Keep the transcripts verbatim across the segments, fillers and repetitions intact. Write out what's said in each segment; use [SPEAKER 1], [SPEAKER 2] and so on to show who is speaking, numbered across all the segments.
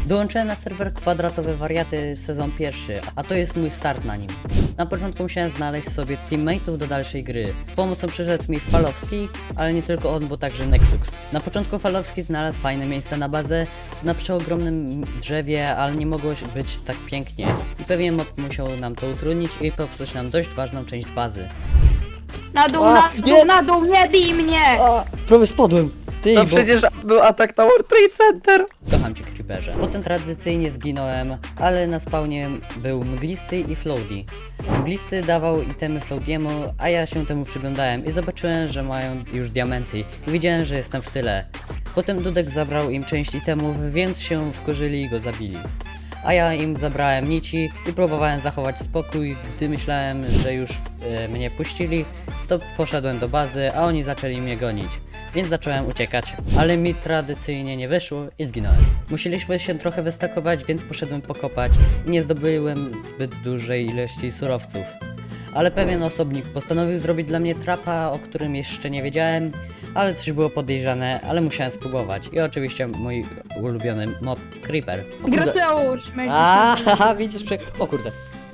[SPEAKER 1] Dołączyłem na serwer Kwadratowe Wariaty sezon pierwszy, a to jest mój start na nim. Na początku musiałem znaleźć sobie teammateów do dalszej gry. Pomocą przyszedł mi Falowski, ale nie tylko on, bo także Nexus. Na początku Falowski znalazł fajne miejsce na bazę, na przeogromnym drzewie, ale nie mogło być tak pięknie. I pewnie mob musiał nam to utrudnić i popsuć nam dość ważną część bazy.
[SPEAKER 2] Na dół,
[SPEAKER 3] A,
[SPEAKER 2] na dół,
[SPEAKER 3] nie.
[SPEAKER 2] na dół, nie bij mnie!
[SPEAKER 3] A, prawie spadłem. Ty,
[SPEAKER 1] No
[SPEAKER 3] bo...
[SPEAKER 1] przecież
[SPEAKER 3] był atak na World Trade Center.
[SPEAKER 1] Kocham cię, Creeperze. Potem tradycyjnie zginąłem, ale na spawnie był Mglisty i Floaty. Mglisty dawał itemy Floatiemu, a ja się temu przyglądałem i zobaczyłem, że mają już diamenty i widziałem, że jestem w tyle. Potem Dudek zabrał im część itemów, więc się wkurzyli i go zabili. A ja im zabrałem nici i próbowałem zachować spokój. Gdy myślałem, że już e, mnie puścili, to poszedłem do bazy, a oni zaczęli mnie gonić. Więc zacząłem uciekać, ale mi tradycyjnie nie wyszło i zginąłem. Musieliśmy się trochę wystakować, więc poszedłem pokopać i nie zdobyłem zbyt dużej ilości surowców. Ale pewien osobnik postanowił zrobić dla mnie trapa, o którym jeszcze nie wiedziałem, ale coś było podejrzane, ale musiałem spróbować. I oczywiście mój ulubiony mob Creeper. O kurde.
[SPEAKER 2] Graceusz,
[SPEAKER 3] A, haha, widzisz, prze... O kurde.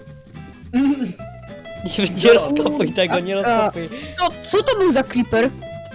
[SPEAKER 3] Nie, nie rozkopuj tego, nie rozkopuj.
[SPEAKER 2] Co, co to był za creeper?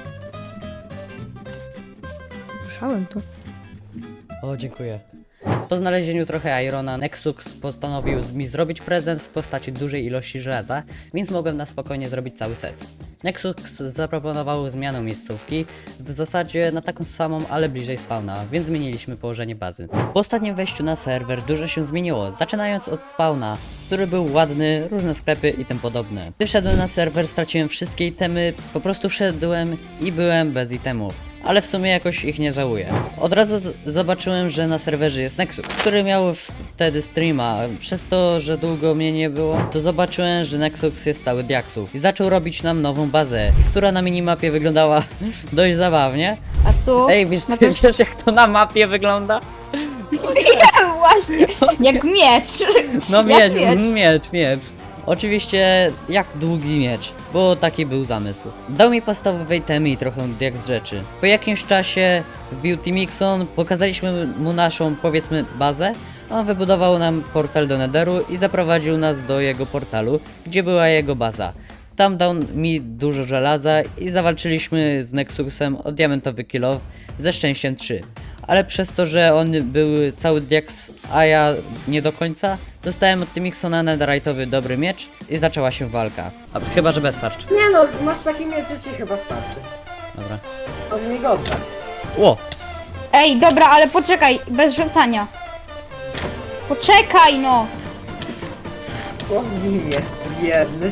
[SPEAKER 2] Słyszałem to.
[SPEAKER 3] O, dziękuję.
[SPEAKER 1] Po znalezieniu trochę Irona, Nexus postanowił mi zrobić prezent w postaci dużej ilości żelaza, więc mogłem na spokojnie zrobić cały set. Nexus zaproponował zmianę miejscówki, w zasadzie na taką samą, ale bliżej spawna, więc zmieniliśmy położenie bazy. Po ostatnim wejściu na serwer dużo się zmieniło, zaczynając od spawna, który był ładny, różne sklepy i tym podobne. Gdy wszedłem na serwer, straciłem wszystkie itemy, po prostu wszedłem i byłem bez itemów. Ale w sumie jakoś ich nie żałuję. Od razu z- zobaczyłem, że na serwerze jest Nexus, który miał wtedy streama. Przez to, że długo mnie nie było, to zobaczyłem, że Nexus jest cały diaksów. I zaczął robić nam nową bazę, która na minimapie wyglądała dość zabawnie.
[SPEAKER 2] A tu?
[SPEAKER 1] Ej, wiesz,
[SPEAKER 2] No to-
[SPEAKER 1] wiesz jak to na mapie wygląda?
[SPEAKER 2] Właśnie, jak miecz.
[SPEAKER 1] No
[SPEAKER 2] Jak
[SPEAKER 1] miecz,
[SPEAKER 2] miecz.
[SPEAKER 1] miecz, miecz. Oczywiście jak długi miecz, bo taki był zamysł. Dał mi podstawowe itemy i trochę diaks rzeczy. Po jakimś czasie wbił Timixon, pokazaliśmy mu naszą, powiedzmy, bazę. On wybudował nam portal do Netheru i zaprowadził nas do jego portalu, gdzie była jego baza. Tam dał mi dużo żelaza i zawalczyliśmy z Nexusem o diamentowy kill ze szczęściem trzy. Ale przez to, że on był cały diaks, a ja nie do końca, dostałem od Timixona netherite'owy dobry miecz i zaczęła się walka. A, chyba, że bez tarczy.
[SPEAKER 4] Nie no, masz taki miecz, że ci chyba starczy.
[SPEAKER 1] Dobra.
[SPEAKER 4] On mi go oddać.
[SPEAKER 1] Ło!
[SPEAKER 2] Ej, dobra, ale poczekaj, bez rzucania. Poczekaj no!
[SPEAKER 4] Chłopnij mnie, biedny.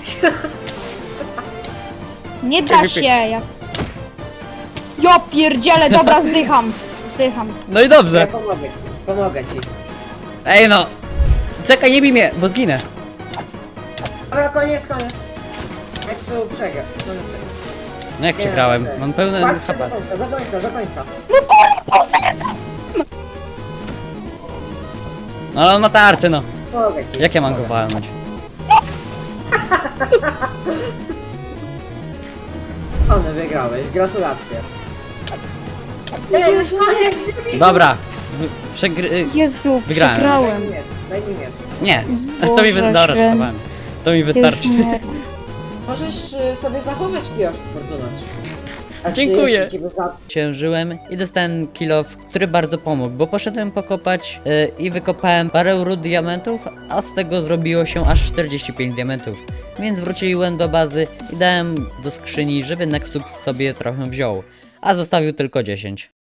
[SPEAKER 2] Nie da się, jak... Ja pierdzielę, dobra, zdycham. Zdycham.
[SPEAKER 1] No i
[SPEAKER 4] Ja
[SPEAKER 1] dobrze!
[SPEAKER 4] pomogę, pomogę ci.
[SPEAKER 1] Ej no! Czekaj, nie bij mnie, bo zginę!
[SPEAKER 4] Ale koniec, koniec. Nexu przegrał. No, nie,
[SPEAKER 1] No jak
[SPEAKER 4] nie,
[SPEAKER 1] przegrałem?
[SPEAKER 4] nie.
[SPEAKER 1] Mam pełne
[SPEAKER 4] Patrzcie
[SPEAKER 1] H
[SPEAKER 4] do
[SPEAKER 1] P.
[SPEAKER 4] końca, do końca, do końca.
[SPEAKER 1] No ale on ma tarczę, no.
[SPEAKER 4] Pomogę ci.
[SPEAKER 1] Jak ja mam go
[SPEAKER 4] pomogę.
[SPEAKER 1] walnąć?
[SPEAKER 4] One wygrałeś, gratulacje. Ej, już koniec!
[SPEAKER 1] Dobra. w- Przegry...
[SPEAKER 2] Jezu,
[SPEAKER 1] Wygrałem.
[SPEAKER 4] Daj mi
[SPEAKER 2] przegrałem.
[SPEAKER 4] miecz, daj mi miecz.
[SPEAKER 1] Nie. To mi wy...
[SPEAKER 2] Boże
[SPEAKER 1] Dobra,
[SPEAKER 2] święty.
[SPEAKER 1] żartowałem. To mi wystarczy.
[SPEAKER 2] Już nie.
[SPEAKER 4] Możesz y, sobie zachować kijosz Fortuna. A czy
[SPEAKER 1] Dziękuję.
[SPEAKER 4] jeśli ci wyza-
[SPEAKER 1] Ciężyłem i dostałem kill off, który bardzo pomógł, bo poszedłem pokopać yy, i wykopałem parę ród diamentów, a z tego zrobiło się aż czterdzieści pięć diamentów. Więc wróciłem do bazy i dałem do skrzyni, żeby Nexus sobie trochę wziął, a zostawił tylko dziesięć.